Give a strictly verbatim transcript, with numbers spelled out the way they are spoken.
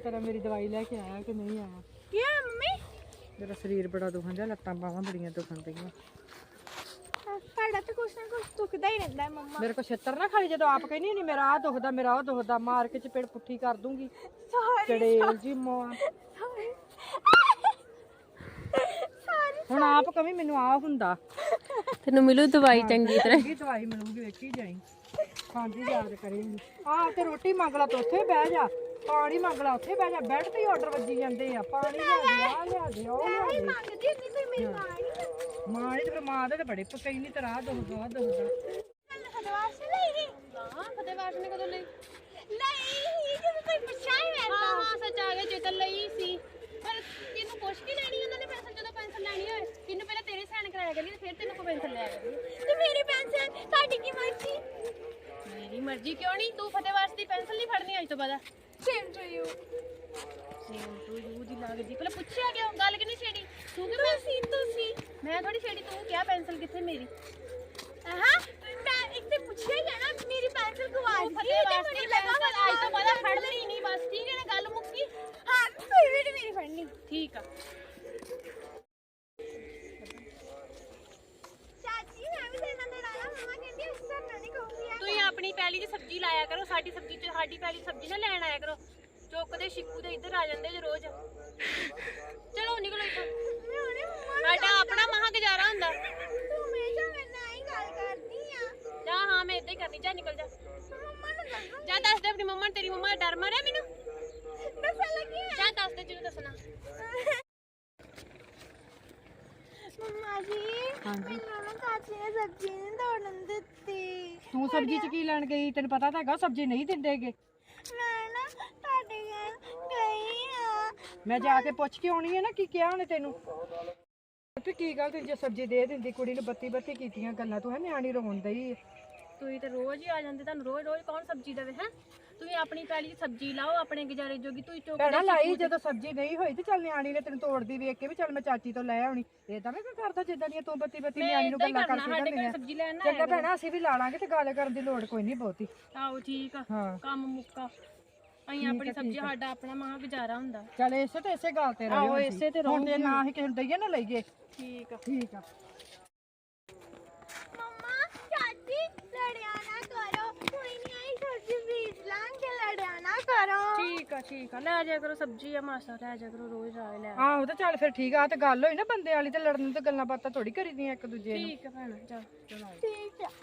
तेरा मेरी दवाई लेके आया कि नहीं आया? क्या मम्मी? मेरा शरीर बड़ा दुखन दिया, लत्तां बाहां बड़ियां दुखन दियां। साडा तो कुछ ना कुछ दुखदा ही रहंदा है मम्मा। मेरे को छत्तर ना खाली, जो आप कहनी नहीं मेरा आ दुखदा मेरा आ दुखदा, मार के चपेड़ पुट्ठी कर दूंगी। चड़ेल जी मां ਹੁਣ ਆਪ ਕਵੀ ਮੈਨੂੰ ਆ ਹੁੰਦਾ ਤੈਨੂੰ ਮਿਲੂ ਦਵਾਈ ਚੰਗੀ ਤਰ੍ਹਾਂ। ਚੰਗੀ ਦਵਾਈ ਮਿਲੂਗੀ, ਵੇਖੀ ਜਾਈ ਖਾਂਦੀ ਯਾਦ ਕਰੇਂਗੀ। ਆਹ ਤੇ ਰੋਟੀ ਮੰਗ ਲਾ ਤੇ ਉੱਥੇ ਬਹਿ ਜਾ, ਪਾਣੀ ਮੰਗ ਲਾ ਉੱਥੇ ਬਹਿ ਜਾ, ਬੈੱਡ ਤੇ ਆਰਡਰ ਵੱਜੀ ਜਾਂਦੇ ਆ, ਪਾਣੀ ਲਿਆ ਦੇ ਆ ਲਿਆ ਦੇ ਉਹ ਲਿਆ ਦੇ। ਮੰਗਦੀ ਨਹੀਂ ਕੋਈ ਮੇਰੀ ਮਾਂ ਨਹੀਂ ਮਾਂ ਨੇ ਤੇ ਮਾਂ ਦੇ ਤੇ ਬੜੇ ਪਕਈ ਨਹੀਂ ਤਰਾ ਦੁਖਦਾ ਦੁਖਦਾ। ਫਤਵਾਸ ਲਈ ਗਈ। ਹਾਂ ਫਤਿਹਵਾਸ ਨੇ ਕਦੋਂ ਲਈ? ਲਈ ਜਦੋਂ ਕੋਈ ਪੁੱਛਿਆ ਹੀ ਮੈਂ ਹਾਂ ਹਾਂ ਸੱਚ ਆ ਗਿਆ, ਚੇਤਨ ਲਈ ਸੀ। ਪਰ ਤੈਨੂੰ ਪੁੱਛ ਕੇ ਲੈਣੀ ਉਹਨਾਂ ਨੇ ਪੈਨਸਲ, ਜਦੋਂ ਪੈਨਸਲ ਲੈਣੀ ਹੋਏ ਤੈਨੂੰ ਪਹਿਲਾਂ ਤੇਰੇ ਸਾਈਨ ਕਰਾਇਆ ਕਰੀ ਤੇ ਫਿਰ ਤੈਨੂੰ ਕੋ ਪੈਨਸਲ ਲਿਆ ਕਰੀ। ਤੇ ਮੇਰੀ ਪੈਨਸਲ ਤੁਹਾਡੀ ਕੀ ਮਰਜ਼ੀ? ਮੇਰੀ ਮਰਜ਼ੀ ਕਿਉਂ ਨਹੀਂ? ਤੂੰ ਫਤਿਹਵਾਸ ਦੀ ਪੈਨਸਲ ਨਹੀਂ ਫੜਨੀ ਅੱਜ ਤੋਂ ਬਾਅਦ। Same to you. Same to you ਦੀ ਲੱਗਦੀ। ਪਹਿਲਾਂ ਪੁੱਛਿਆ ਕਿਉਂ? ਗੱਲ ਕਿਉਂ ਨਹੀਂ ਛੇੜੀ? ਤੂੰ ਕਿ ਮੈਂ ਤੁਸੀਂ ਤੁਸੀਂ ਮੈਂ ਥੋੜੀ ਛੇੜੀ, ਤੂੰ ਕਿਹਾ ਪੈਨਸਲ ਕਿੱਥੇ ਮੇਰੀ? ਹਾਂ ਮੈਂ ਇੱਕ ਤੇ ਪੁੱਛਿਆ ਹੀ ਨਾ ਮੇਰੀ ਪੈਨਸਲ ਗਵਾਚ ਗਈ ਤੇ ਫਤਿਹਵਾਸ ਮੈਨੂੰ ਦੀ ਲੱਗਾ ਪੈਨਸਲ ਅੱਜ ਤੋਂ ਬਾਅਦ ਫੜਨੀ ਨਹੀਂ, ਬਸ ਠੀਕ ਹੈ ਨਾ? ਗੱਲ ਮੁੱਕੀ। ਹਾਂ ਫਿਰ ਵੀ ਨੀ ਮੇਰੀ ਫੜਨੀ। ਠੀਕ ਆ। ਚਾਚੀ ਮੈਂ ਵੀ ਤੇਰੇ ਨਾਲ ਲੜਾਣਾ, ਮਮਾ ਕਹਿੰਦੀ ਉਸ ਤਰ੍ਹਾਂ ਨਹੀਂ ਕਹੂੰਗੀ। ਤੁਸੀਂ ਆਪਣੀ ਪੈਲੀ ਦੀ ਸਬਜ਼ੀ ਲਾਇਆ ਕਰੋ, ਸਾਡੀ ਸਬਜ਼ੀ ਚ ਸਾਡੀ ਪੈਲੀ ਦੀ ਸਬਜ਼ੀ ਨਾ ਲੈਣ ਆਇਆ ਕਰੋ। ਚੁੱਕਦੇ ਸ਼ਿਕੂ ਦੇ ਇੱਧਰ ਆ ਜਾਂਦੇ ਜੇ ਰੋਜ਼। ਚਲੋ ਨਿਕਲੋ ਇੱਥੋਂ। ਮੈਂ ਉਹਨੇ ਮਮਾ ਸਾਡਾ ਆਪਣਾ ਮਹਾ ਗੁਜ਼ਾਰਾ ਹੁੰਦਾ। ਤੂੰ ਹਮੇਸ਼ਾ ਮੇਰੇ ਨਾਲ ਹੀ ਗੱਲ ਕਰਦੀ ਆ। ਜਾ ਹਾਂ ਮੈਂ ਏਦਾਂ ਹੀ ਕਰਨੀ, ਜਾ ਨਿਕਲ ਜਾ। ਮਮਾ ਨੂੰ ਦੱਸੋ ਜਾ ਦੱਸ ਦੇ ਆਪਣੀ ਮੰਮਾ ਨੂੰ, ਤੇਰੀ ਮੰਮਾ ਦਾ ਡਰ ਮਾਰਿਆ ਮੈਨੂੰ। ਦੱਸਣ ਲੱਗੀ ਆ। ਜਾ ਦੱਸ ਦੇ ਜਿਹਨੂੰ ਦੱਸਣਾ। ਮੰਮਾ ਜੀ ਮੈਨੂੰ ਨਾ ਚਾਚੀ ਨੇ ਸਬਜ਼ੀ ਨਹੀਂ ਤੋੜਨ ਦਿੱਤੀ। ਤੂੰ ਸਬਜ਼ੀ ਚ ਕੀ ਲੈਣ ਗਈ? ਤੈਨੂੰ ਪਤਾ ਤਾਂ ਹੈਗਾ ਸਬਜ਼ੀ ਨਹੀਂ ਦਿੰਦੇਗੇ। ਮੈਂ ਨਾ ਤੁਹਾਡੇ ਘਰ ਗਈ ਆ। ਮੈਂ ਜਾ ਕੇ ਪੁੱਛ ਕੇ ਆਉਣੀ ਹੈ ਨਾ ਕੀ ਕਿਹਾ ਉਹਨੇ ਤੈਨੂੰ। ਤੇ ਕੀ ਗੱਲ, ਤੂੰ ਜੇ ਸਬਜ਼ੀ ਦੇ ਦਿੰਦੀ ਕੁੜੀ ਨੂੰ, ਬੱਤੀ ਬੱਤੀ ਕੀਤੀਆਂ ਗੱਲਾਂ, ਤੂੰ ਹੈ ਨਿਆਣੀ ਰੋਣ ਦਈ। ਤੁਸੀਂ ਤੇ ਰੋਜ਼ ਹੀ ਆ ਜਾਂਦੇ, ਤੁਹਾਨੂੰ ਰੋਜ਼ ਰੋਜ਼ ਕੌਣ ਸਬਜ਼ੀ ਦੇਵੇ? ਹੈ ਤੁਸੀਂ ਆਪਣੀ ਪੈਲੀ ਦੀ ਸਬਜ਼ੀ ਲਾਓ, ਆਪਣੇ ਗੁਜ਼ਾਰੇ ਜੋਗੀ। ਤੁਸੀਂ ਭੈਣਾ ਚੁੱਕਦੇ ਲਾਈ ਜਦੋਂ ਸਬਜ਼ੀ ਨਹੀਂ ਹੋਈ ਤੇ ਚੱਲ ਨਿਆਣੀ ਨੇ ਤੈਨੂੰ ਤੋੜਦੀ ਵੇਖ ਕੇ ਵੀ ਚੱਲ ਮੈਂ ਚਾਚੀ ਤੋਂ ਲੈ ਆਉਣੀ। ਏਦਾਂ ਮੈਂ ਕੋਈ ਕਰਦਾ ਜਿੱਦਾਂ ਦੀਆਂ ਤੂੰ ਬੱਤੀ ਬੱਤੀ ਨਿਆਣੀ ਨੂੰ ਗੱਲਾਂ ਕਰਕੇ ਸਾਡੇ ਜਾਂਦੀ ਘਰ ਆ। ਸਬਜ਼ੀ ਲੈਣ ਨਾ ਚੰਗਾ ਭੈਣਾ ਅਸੀਂ ਵੀ ਲਾ ਲਾਂਗੇ ਤੇ ਗੱਲ ਕਰਨ ਦੀ ਲੋੜ ਕੋਈ ਨਹੀਂ ਬਹੁਤੀ। ਆਓ ਠੀਕ ਆ, ਹਾਂ ਕੰਮ ਮੁੱਕਾ। ਅਸੀਂ ਆਪਣੀ ਸਬਜ਼ੀ, ਸਾਡਾ ਆਪਣਾ ਮਹਾ ਗੁਜ਼ਾਰਾ ਹੁੰਦਾ। ਚੱਲ ਇਸੇ ਤੇ ਇਸੇ ਗੱਲ ਤੇ ਰਹੋ। ਆਹੋ, ਇਸੇ ਤੇ ਹੁਣ ਤੇ ਨਾ ਹੀ ਕਿਸੇ ਨੂੰ ਦਈਏ ਨਾ ਲਈਏ। ਠੀਕ ਆ ਠੀਕ ਆ। ਮੰਮਾ ਚਾਚੀ ਲੜਿਆ ਨਾ ਕਰੋ, ਕੋਈ ਨਹੀਂ ਆਈ ਸਬਜ਼ੀ ਬੀਜ ਲਾਂਗੇ, ਲੜਿਆ ਨਾ ਕਰੋ। ਠੀਕ ਆ ਠੀਕ ਆ, ਲੈ ਜਾ ਕਰੋ ਸਬਜ਼ੀ ਆ ਮਾਸਾ, ਲੈ ਜਾ ਕਰੋ ਰੋਜ਼ ਆ ਲੈ। ਆਹੋ ਤੇ ਚੱਲ ਫਿਰ ਠੀਕ ਆ। ਤੇ ਗੱਲ ਹੋਈ ਨਾ ਬੰਦੇ ਵਾਲੀ, ਤੇ ਲੜਨ ਤੇ ਗੱਲਾਂ ਬਾਤਾਂ ਥੋੜੀ ਕਰੀਦੀਆਂ ਇੱਕ ਦੂਜੇ ਨੂੰ। ਠੀਕ ਆ ਭੈਣਾ, ਜਾ ਚਲੋ। ਠੀਕ ਆ।